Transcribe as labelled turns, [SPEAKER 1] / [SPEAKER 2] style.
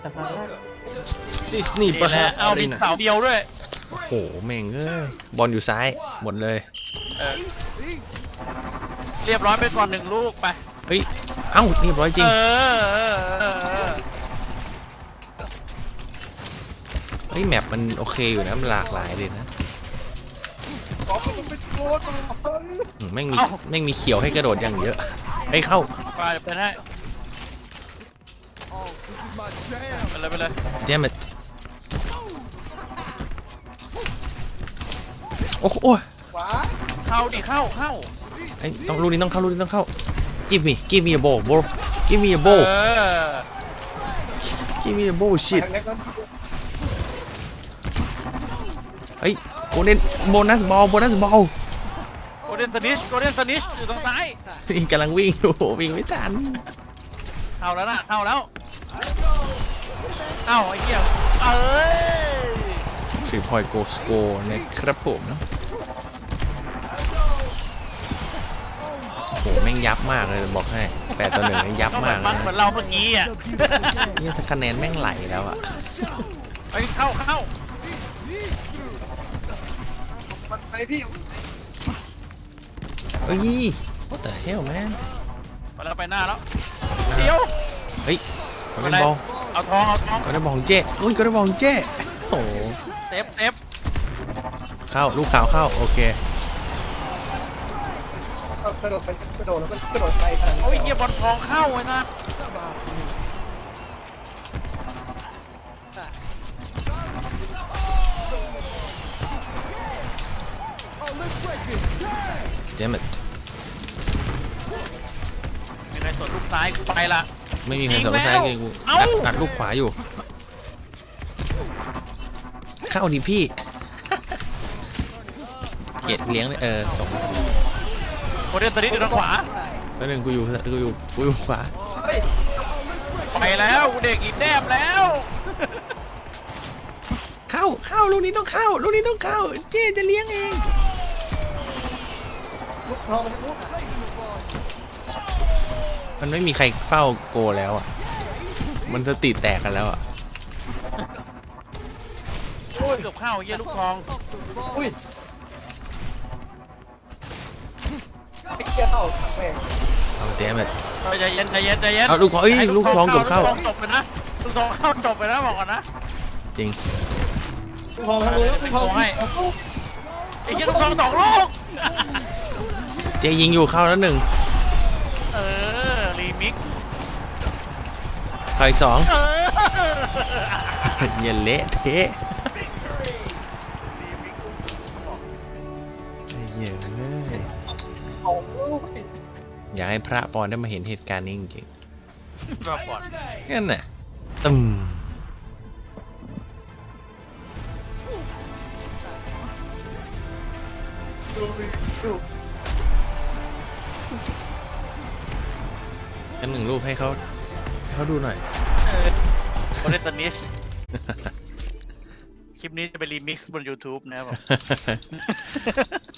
[SPEAKER 1] แต่พังได้
[SPEAKER 2] ซิสนีย์ปะ
[SPEAKER 3] แหละเอามีเสาเดียวด้วย
[SPEAKER 2] โอ้โหแม่งเอ้ยบอลอยู่ซ้ายหมดเลย
[SPEAKER 3] เออเรียบร้อยไปก่อน1 ลูกไป
[SPEAKER 2] เฮ้ยเอ้าเรียบร้อยจริง
[SPEAKER 3] เออ
[SPEAKER 2] เฮ้ยแมปมันโอเคอยู่นะมันหลากหลายเลยนะ
[SPEAKER 1] ขอมันเป็นโกด
[SPEAKER 2] แม่งมีเขียวให้กระโดดอย่างเยอะเฮ้ยเข้า
[SPEAKER 3] ไปไปให้ไปเลย
[SPEAKER 2] damn it โอ้โหโอ้ย
[SPEAKER 1] ขวา
[SPEAKER 3] เข้าดิเข้า
[SPEAKER 2] ไอ้ต้องลูกนี้ต้องเข้าลูกนี้ต้องเข้า give me a ball bro give me a ball
[SPEAKER 3] เออ
[SPEAKER 2] give me a ball shit
[SPEAKER 1] แม็กนั้น
[SPEAKER 2] เฮ้ยโกลเด้นโบนัสบอล
[SPEAKER 3] โกลเด้นสนิชอยู่ทางซ้าย
[SPEAKER 2] กำลังวิ่งอยู่วิ่งไม่ทัน
[SPEAKER 3] เข้าแล้วนะเข้าแล้วเอ้าไอ้เหี้ยเอ้ย
[SPEAKER 2] 3 point goal score นะครับผมโอ้โหแม่งยับมากเลยบอกให้8-1นี่ยับ
[SPEAKER 3] ก็เหมื
[SPEAKER 2] มา
[SPEAKER 3] อก น
[SPEAKER 2] เลย
[SPEAKER 3] เหมือน
[SPEAKER 2] นะ
[SPEAKER 3] เราเมื่อกี้อ่ะ
[SPEAKER 2] เนี่ยถ้าคะแนนแม่งไหลแล้วอะ
[SPEAKER 3] เฮ้ยเข้า
[SPEAKER 1] มันไปพี่
[SPEAKER 2] เอ้ย what the hell man
[SPEAKER 3] ไปแล้วไปหน้าแล้วเดี๋ยว
[SPEAKER 2] เฮ้ยก็ได้บอล
[SPEAKER 3] เอาทอง
[SPEAKER 2] ก็ได้บอลของเจ้อุ้ยก็ได้บอลของเจ้โอ้โห
[SPEAKER 3] เซฟ
[SPEAKER 2] เข้าลูกขาวเข้าโอเค
[SPEAKER 1] กระโดดไปกระโดดแล้วก็กระโดดไปทาง
[SPEAKER 3] โอ้ยเหี้ยบอลทองเข้าไว้นะ
[SPEAKER 2] damn it
[SPEAKER 3] มีใครสวนลูกซ้ายกูไปละ
[SPEAKER 2] ไม่มีใครสนใจเลยกู
[SPEAKER 3] เอ้า
[SPEAKER 2] อัดลูกขวาอยู่ เข้าดิพี่ เกตเลี้ยงเลยส่ง
[SPEAKER 3] โกลเด้นสนิชอยู่ทางขวา
[SPEAKER 2] แล้วหนึ่งกูอยู่ขวา
[SPEAKER 3] ไปแล้วกูเด็กอีกแนบแล้ว
[SPEAKER 2] เข้าลูกนี้ต้องเข้าลูกนี้ต้องเข้าเจ๊จะเลี้ยงเอง
[SPEAKER 1] ลูกทองมันลูก
[SPEAKER 2] มันไม่มีใครเฝ้าโกแล้วอ่ะมันสติแตกกันแล้วอ่ะ
[SPEAKER 1] โอ้ย
[SPEAKER 3] เกือบเข้าเหี้ยลูกทอง
[SPEAKER 1] อุ้ยไอ้เกียร์เข้าแม่ง
[SPEAKER 2] เอาเจ๊มัน
[SPEAKER 3] ใจเย็น
[SPEAKER 2] เอาลูกทองเอ้ยลูกทองเกือบเข้า
[SPEAKER 3] ลูกทองจบไปนะลูกทองเข้าจบไปนะบอกก่อนนะ
[SPEAKER 2] จริง
[SPEAKER 1] ลูกทองทางนู้นลูกทองให้
[SPEAKER 3] ไอ้เหี้ยลูกทอง2 ลูก
[SPEAKER 2] เจ๊ยิงอยู่เข้าแล้วหนึ่ง
[SPEAKER 3] เออรีมิก
[SPEAKER 2] เข้าอีก2
[SPEAKER 3] เออ
[SPEAKER 2] อย่าเละเทะเหี้ยอะ
[SPEAKER 1] โอ้ย
[SPEAKER 2] อยากให้พระปอนได้มาเห็นเหตุการณ์นี้จริง
[SPEAKER 3] รอบก่อน
[SPEAKER 2] ๆนั่นน่ะตึมกัน1 รูปให้เขาดูหน่อย
[SPEAKER 3] โกลเด้นสนิชคลิปนี้จะไปรีมิกซ์บน YouTube นะครับผม